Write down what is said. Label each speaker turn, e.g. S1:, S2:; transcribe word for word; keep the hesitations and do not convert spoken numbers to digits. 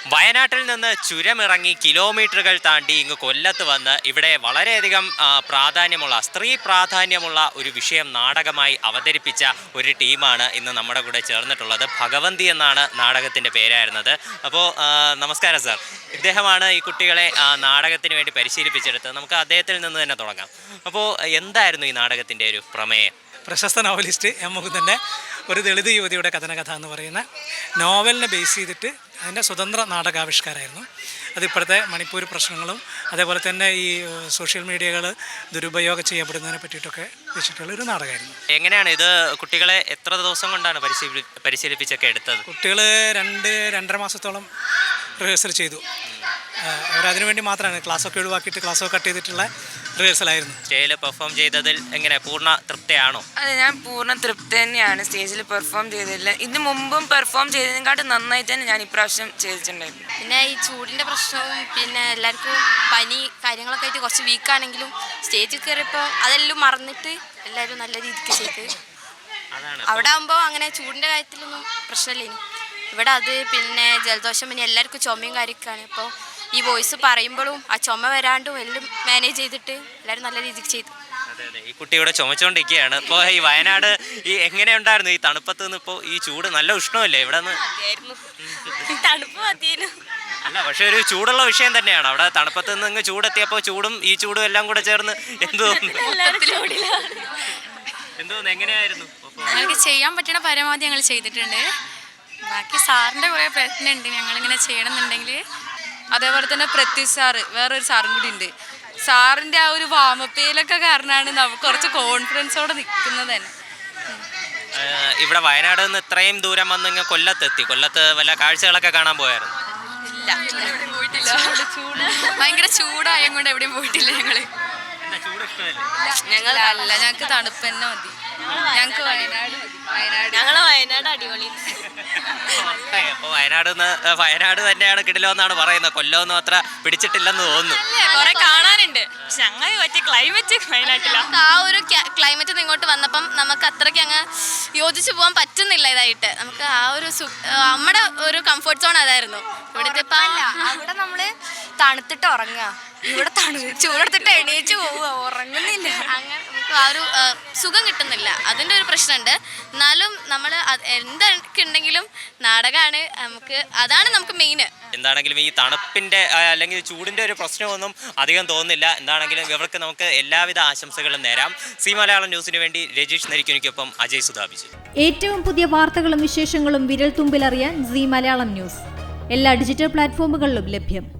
S1: വയനാട്ടിൽ നിന്ന് ചുരമിറങ്ങി കിലോമീറ്ററുകൾ താണ്ടി ഇങ്ങ് കൊല്ലത്ത് വന്ന് ഇവിടെ വളരെയധികം പ്രാധാന്യമുള്ള സ്ത്രീ പ്രാധാന്യമുള്ള ഒരു വിഷയം നാടകമായി അവതരിപ്പിച്ച ഒരു ടീമാണ് ഇന്ന് നമ്മുടെ കൂടെ ചേർന്നിട്ടുള്ളത്. ഭഗവന്തി എന്നാണ് നാടകത്തിൻ്റെ പേരായിരുന്നത്. അപ്പോൾ നമസ്കാരം സാർ. ഇദ്ദേഹമാണ് ഈ കുട്ടികളെ നാടകത്തിന് വേണ്ടി പരിശീലിപ്പിച്ചെടുത്തത്. നമുക്ക് അദ്ദേഹത്തിൽ നിന്ന് തന്നെ തുടങ്ങാം. അപ്പോൾ എന്തായിരുന്നു ഈ നാടകത്തിൻ്റെ ഒരു പ്രമേയം?
S2: പ്രശസ്ത നോവലിസ്റ്റ് എം മുകുന്ദൻ്റെ ഒരു ദളിത് യുവതിയുടെ കഥനകഥ എന്ന് പറയുന്ന നോവലിനെ ബേസ് ചെയ്തിട്ട് അതിൻ്റെ സ്വതന്ത്ര നാടകാവിഷ്കാരമായിരുന്നു. അതിപ്പോഴത്തെ മണിപ്പൂർ പ്രശ്നങ്ങളും അതേപോലെ തന്നെ ഈ സോഷ്യൽ മീഡിയകൾ ദുരുപയോഗം ചെയ്യപ്പെടുന്നതിനെ പറ്റിയിട്ടൊക്കെ വെച്ചിട്ടുള്ള ഒരു നാടകമായിരുന്നു.
S1: എങ്ങനെയാണ് ഇത് കുട്ടികളെ എത്ര ദിവസം കൊണ്ടാണ് പരിശീലി പരിശീലിപ്പിച്ചൊക്കെ എടുത്തത്?
S2: കുട്ടികൾ രണ്ട് രണ്ടര മാസത്തോളം റിഹേഴ്സൽ ചെയ്തു. അവരതിനു വേണ്ടി മാത്രമാണ് ക്ലാസ്സൊക്കെ ഒഴിവാക്കിയിട്ട് ക്ലാസ്സൊക്കെ കട്ട് ചെയ്തിട്ടുള്ള റിഹേഴ്സലായിരുന്നു.
S1: സ്റ്റേജിൽ പെർഫോം ചെയ്തതിൽ എങ്ങനെ പൂർണ്ണ തൃപ്തിയാണോ?
S3: അതെ, ഞാൻ പൂർണ്ണ തൃപ്തി തന്നെയാണ്. സ്റ്റേജിൽ പെർഫോം ചെയ്തില്ല, ഇതിന് മുമ്പും പെർഫോം ചെയ്തതിനെക്കാട്ടും നന്നായിട്ട് തന്നെ ഞാൻ ഇപ്രാവശ്യം ചെയ്തിട്ടുണ്ടായിരുന്നു.
S4: പിന്നെ ഈ ചൂടിൻ്റെ പ്രശ്നവും പിന്നെ എല്ലാവർക്കും പനി കാര്യങ്ങളൊക്കെ ആയിട്ട് കുറച്ച് വീക്കാണെങ്കിലും സ്റ്റേജിൽ കയറിയപ്പോൾ അതെല്ലാം മറന്നിട്ട് എല്ലാവരും നല്ല രീതിക്ക് ചെയ്ത്. അവിടെ ആകുമ്പോൾ അങ്ങനെ ചൂടിൻ്റെ കാര്യത്തിലൊന്നും പ്രശ്നമില്ല. ഇവിടെ അത് പിന്നെ ജലദോഷം പിന്നെ എല്ലാവർക്കും ചുമയും കാര്യമൊക്കെയാണ്. അപ്പോൾ ഈ വോയിസ് പറയുമ്പോഴും ആ ചുമ വരാണ്ടും എല്ലാം മാനേജ് ചെയ്തിട്ട് എല്ലാവരും നല്ല രീതിക്ക് ചെയ്തു.
S1: അതെ അതെ ഈ കുട്ടി ഇവിടെ ചുമച്ചുകൊണ്ടിരിക്കുകയാണ്. ഇപ്പോൾ ഈ വയനാട് ഈ എങ്ങനെയുണ്ടായിരുന്നു ഈ തണുപ്പത്ത് നിന്ന്? ഇപ്പോൾ ഈ ചൂട് നല്ല ഉഷ്ണമല്ലേ ഇവിടെ നിന്ന്?
S4: തണുപ്പ് മതിയായിരുന്നു.
S1: അല്ല, പക്ഷെ ഒരു ചൂടുള്ള വിഷയം തന്നെയാണ്. അവിടെ തണുപ്പത്ത് നിന്ന് ഇങ്ങ് ചൂടെത്തിയപ്പോൾ ചൂടും ഈ ചൂടും എല്ലാം കൂടെ ചേർന്ന് എന്ത് തോന്നുന്നു? എന്ത് തോന്നുന്നു? എങ്ങനെയായിരുന്നു?
S5: ഞങ്ങൾക്ക് ചെയ്യാൻ പറ്റുന്ന പരമാവധി ഞങ്ങൾ ചെയ്തിട്ടുണ്ട്. ബാക്കി സാറിൻ്റെ കുറേ പ്രയത്നമുണ്ട് ഞങ്ങളിങ്ങനെ ചെയ്യണമെന്നുണ്ടെങ്കിൽ.
S3: അതേപോലെ തന്നെ പ്രത്യുഷ് സാറ്, വേറൊരു സാറും കൂടി ഉണ്ട്. സാറിൻ്റെ ആ ഒരു വാമപ്പയിലൊക്കെ കാരണമാണ് നമുക്ക് കുറച്ച് കോൺഫിഡൻസോടെ നിൽക്കുന്നത് തന്നെ.
S1: ഇവിടെ വയനാട് നിന്ന് ഇത്രയും ദൂരം വന്ന് ഇങ്ങനെ കൊല്ലത്തെത്തി. കൊല്ലത്ത് വല്ല കാഴ്ചകളൊക്കെ കാണാൻ പോയായിരുന്നു?
S5: ഇല്ല, പോയിട്ടില്ല. ചൂട് ഭയങ്കര ചൂടായത് കൊണ്ട് എവിടെയും പോയിട്ടില്ല. ഞങ്ങൾ
S3: ഞങ്ങൾ അല്ല, ഞങ്ങൾക്ക് തണുപ്പ് തന്നെ മതി. ഞങ്ങൾക്ക് വയനാട് വയനാട്
S4: ഞങ്ങളെ വയനാട് അടിപൊളി.
S1: അപ്പോൾ വയനാട് വയനാട് തന്നെയാണ് കിടിലമെന്നാണ് പറയുന്നത്. കൊല്ലമൊന്നും അത്ര പിടിച്ചിട്ടില്ലെന്ന് തോന്നുന്നു.
S5: കുറെ കാണാനുണ്ട്. ഞങ്ങൾ പറ്റിയ ക്ലൈമറ്റ് വയനാട്ടില്ല.
S4: ആ ഒരു ക്ലൈമറ്റ് ഇങ്ങോട്ട് വന്നപ്പം നമുക്ക് അത്രയ്ക്ക് അങ്ങ് യോജിച്ചു പോകാൻ പറ്റുന്നില്ല. ഇതായിട്ട് നമുക്ക് ആ ഒരു നമ്മുടെ ഒരു കംഫർട്ട് സോൺ അതായിരുന്നു. ഇവിടുത്തെ
S6: അവിടെ നമ്മള് തണുത്തിട്ട് ഉറങ്ങുക, ഇവിടെ തണു ചൂടെടുത്തിട്ട് എണീച്ച് പോവുക, ഉറങ്ങുന്നില്ല.
S4: അങ്ങനെ നമുക്ക് ആ ഒരു സുഖം കിട്ടുന്നില്ല. അതിൻ്റെ ഒരു പ്രശ്നമുണ്ട്. എന്നാലും നമ്മൾ എന്തൊക്കെ ഉണ്ടെങ്കിലും നാടകമാണ് നമുക്ക്, അതാണ് നമുക്ക് മെയിൻ.
S1: എന്താണെങ്കിലും ഈ തണുപ്പിൻ്റെ അല്ലെങ്കിൽ ചൂടിൻ്റെ ഒരു പ്രശ്നമൊന്നും അധികം തോന്നുന്നില്ല. എന്താണെങ്കിലും ഇവർക്ക് നമുക്ക് എല്ലാവിധ ആശംസകളും നേരാം. സി മലയാളം ന്യൂസിന് വേണ്ടി രജീഷ് നരിക്കുനിക്കൊപ്പം അജയ് സുധാബിജു.
S7: ഏറ്റവും പുതിയ വാർത്തകളും വിശേഷങ്ങളും വിരൽ തുമ്പിലറിയാൻ സി മലയാളം ന്യൂസ് എല്ലാ ഡിജിറ്റൽ പ്ലാറ്റ്ഫോമുകളിലും ലഭ്യം.